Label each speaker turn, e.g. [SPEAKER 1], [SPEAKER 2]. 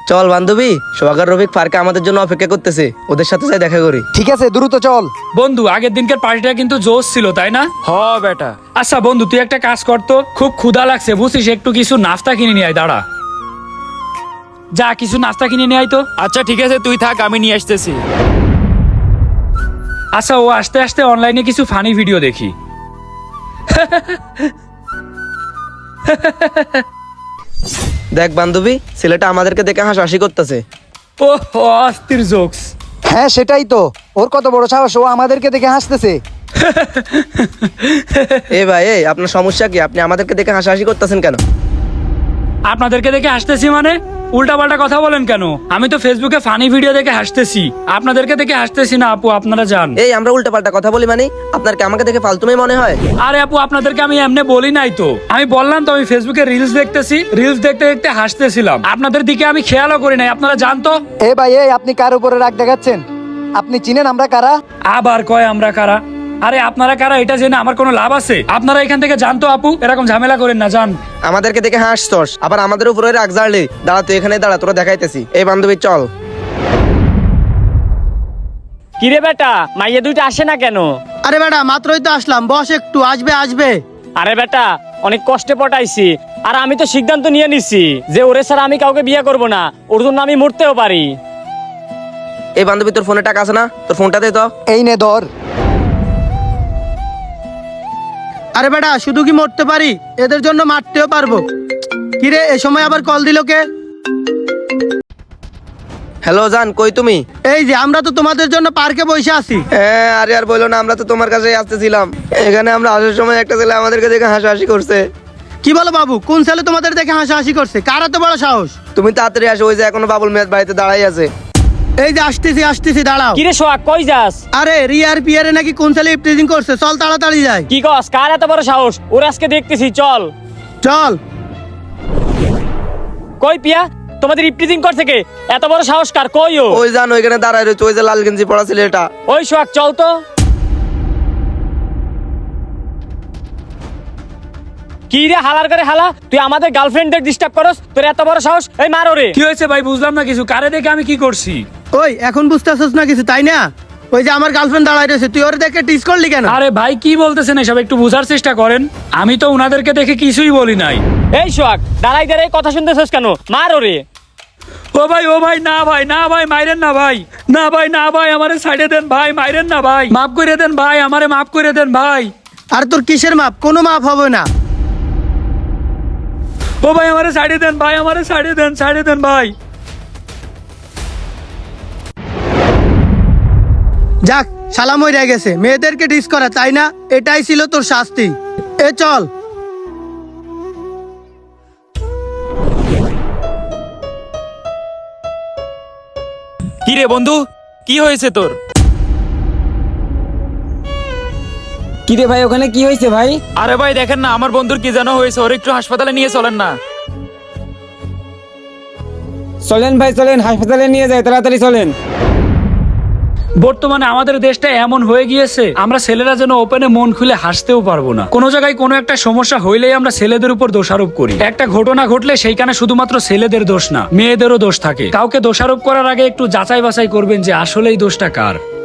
[SPEAKER 1] চল বান্ধবী, সোহাগ আর রফিক পার্কে আমাদের জন্য অপেক্ষা করতেছে, ওদের সাথে যাই দেখা করি।
[SPEAKER 2] ঠিক আছে, দ্রুত চল।
[SPEAKER 3] বন্ধু, আগের দিনকার পার্টিটা কিন্তু জোশ ছিল, তাই না?
[SPEAKER 4] হ বেটা।
[SPEAKER 3] আচ্ছা বন্ধু, তুই একটা কাজ করতো, খুব ক্ষুধা লাগছে বুঝছিস, একটু কিছু নাস্তা কিনে নিয়ে আয়। দাঁড়া, যা কিছু নাস্তা কিনে নিয়ে আয় তো।
[SPEAKER 4] আচ্ছা ঠিক আছে, তুই থাক, আমি নিয়ে আসতেছি।
[SPEAKER 3] আচ্ছা, ও আস্তে আস্তে অনলাইনে কিছু ফানি ভিডিও দেখি।
[SPEAKER 1] দেখ বান্ধবী, ছেলেটা আমাদেরকে দেখে হাসাহাসি করতেছে।
[SPEAKER 3] ও অস্থির জোকস।
[SPEAKER 2] হ্যাঁ সেটাই তো, ওর কত বড় সাহস, ও আমাদেরকে দেখে হাসতেছে।
[SPEAKER 1] এ ভাই, আপনার সমস্যা কি? আপনি আমাদেরকে দেখে হাসাহাসি করতেছেন কেন?
[SPEAKER 3] আপনাদেরকে দেখে হাসতেছি মানে? উল্টাপাল্টা কথা বলেন কেন? আমি তো ফেসবুকে ফানি ভিডিও দেখে হাসতেছি, আপনাদেরকে দেখে হাসতেছি না। আপু আপনারা যান।
[SPEAKER 1] আমরা উল্টাপাল্টা কথা বলি মানে? আপনার কি আমাকে দেখে ফালতুমি মনে হয়?
[SPEAKER 3] আরে আপু, আপনাদেরকে আমি এমনি বলি নাই তো। আমি বললাম তো, আমি ফেসবুকে রিলস দেখতেছি, রিলস দেখতে দেখতে হাসতেছিলাম। আপনাদের দিকে আমি খেয়ালও করি নাই। আপনারা জানতো।
[SPEAKER 2] এ ভাই, আপনি কার উপরে রাগ দেখাচ্ছেন? আপনি চিনেন আমরা কারা?
[SPEAKER 3] আবার কয় আমরা কারা? আরে আপনারা কারা এটা জেনে আমার কোনো লাভ আছে? আপনারা এখান থেকে জানতো আপু, এরকম ঝামেলা করেন না, জান।
[SPEAKER 1] আমাদেরকে দেখে হাসছস, আবার আমাদের উপরে রাগ ঝাড়লি। দাঁড়া, তুই এখানে দাঁড়া, তোরা দেখাইতেছি। এই বান্ধবী চল।
[SPEAKER 5] কিরে বেটা, মাইয়া দুইটা আসে না কেন?
[SPEAKER 6] আরে বেটা, মাত্রই তো আসলাম, বস একটু, আসবে আসবে।
[SPEAKER 5] আরে বেটা, অনেক কষ্টে পটাইছি, আর আমি তো সিদ্ধান্ত নিয়ে নিছি যে ওরে ছাড়া আমি কাউকে বিয়ে করব না। ওর জন্য আমি মরতেও পারি।
[SPEAKER 1] এই বান্ধবী, তোর ফোনে টাকা আছে না? তোর ফোনটা দে তো।
[SPEAKER 2] এই নে ধর।
[SPEAKER 6] আরে বেটা, শুধু কি মরতে পারি, এদের জন্য মারতেও পারবো। কিরে, এ সময় আবার কল দিল কে?
[SPEAKER 1] হ্যালো জান, কই তুমি?
[SPEAKER 6] এই যে, আমরা তো তোমাদের জন্য পার্কে বসে আছি।
[SPEAKER 1] হ্যাঁ, আরে আর বলো না, আমরা তো তোমার কাছে আসতেছিলাম। এখানে আমরা আসার সময় একটা ছেলে আমাদেরকে দেখে হাসাহাসি করছে।
[SPEAKER 6] কি বলো বাবু, কোন ছেলে তোমাদের দেখে হাসাহাসি করছে? কার এত বড় সাহস?
[SPEAKER 1] তুমি তাড়াতাড়ি আসো, ওই যে এখনো বাবুল মেয়ের বাড়িতে দাঁড়াই আছে।
[SPEAKER 6] এই যে আসতেছি আসতেছি, দাঁড়াও।
[SPEAKER 5] কিরে সোহাগ, কই যাস?
[SPEAKER 6] আরে রিয়ার পিয়ারে নাকি কোন ছেলে ইফটিজিং করছে, চল তাড়াতাড়ি যাই।
[SPEAKER 5] কি কস? কার এত বড় সাহস? ওর আজকে দেখতেছি, চল।
[SPEAKER 6] চল।
[SPEAKER 5] কই পিয়া, তোমাদের ইফটিজিং করছে কে? এত বড় সাহস কার? কই ও?
[SPEAKER 1] ওই জান, ওইখানে দাঁড়ায় রয়েছে, ওই যে লাল গেঞ্জি পড়া ছেলেটা।
[SPEAKER 5] ওই সোহাগ, চল তো। কি রে হালার করে হালা, তুই আমাদের গার্লফ্রেন্ডদের ডিস্টার্ব করস? তোর এত বড় সাহস? এই মার ওরে।
[SPEAKER 3] কি হয়েছে ভাই, বুঝলাম না কিছু। কারে দেখে আমি কি করছি?
[SPEAKER 6] ওই এখন বুঝতেছস না কিছু, তাই না? ওই যে আমার গার্লফ্রেন্ড দাঁড়ায় রয়েছে, তুই ওরে দেখে টিস করলি কেন?
[SPEAKER 3] আরে ভাই, কি বলতেছেন এসব? একটু বোঝার চেষ্টা করেন। আমি তো উনাদেরকে দেখে কিছুই বলি নাই।
[SPEAKER 5] এই সোহাগ, দাঁড়াই দাঁড়াই কথা শুনতেছস কেন? মার ওরে।
[SPEAKER 3] ও ভাই, ও ভাই, না ভাই, না ভাই, মাইরেন না ভাই, না ভাই, না ভাই, আমারে সাইডে দেন ভাই, মাইরেন না ভাই, মাফ করে দেন ভাই, আমারে মাফ করে দেন ভাই।
[SPEAKER 6] আর তোর কিসের মাপ? কোনো মাপ হবে না।
[SPEAKER 3] ও ভাই, আমারে সাইডে দেন ভাই, আমারে সাইডে দেন, সাইডে দেন ভাই।
[SPEAKER 6] যাক, সালাম হয়ে গেছে, মেয়েদেরকে ডিস করা, তাই না? এটাই ছিল তোর শাস্তি। এ চল।
[SPEAKER 4] কি রে বন্ধু, কি হয়েছে তোর?
[SPEAKER 7] কিরে ভাই, ওখানে কি হয়েছে ভাই?
[SPEAKER 4] আরে ভাই দেখেন না, আমার বন্ধুর কি যেন হয়েছে, ওর একটু হাসপাতালে নিয়ে চলেন না।
[SPEAKER 7] চলেন ভাই, চলেন, হাসপাতালে নিয়ে যাই, তাড়াতাড়ি চলেন।
[SPEAKER 3] বর্তমানে আমাদের দেশটা এমন হয়ে গিয়েছে, আমরা ছেলেরা যেন ওপেনে মন খুলে হাসতেও পারবো না। কোনো জায়গায় কোনো একটা সমস্যা হইলেই আমরা ছেলেদের উপর দোষারোপ করি। একটা ঘটনা ঘটলে সেইখানে শুধুমাত্র ছেলেদের দোষ না, মেয়েদেরও দোষ থাকে। কাউকে দোষারোপ করার আগে একটু যাচাই বাছাই করবেন যে আসলেই দোষটা কার।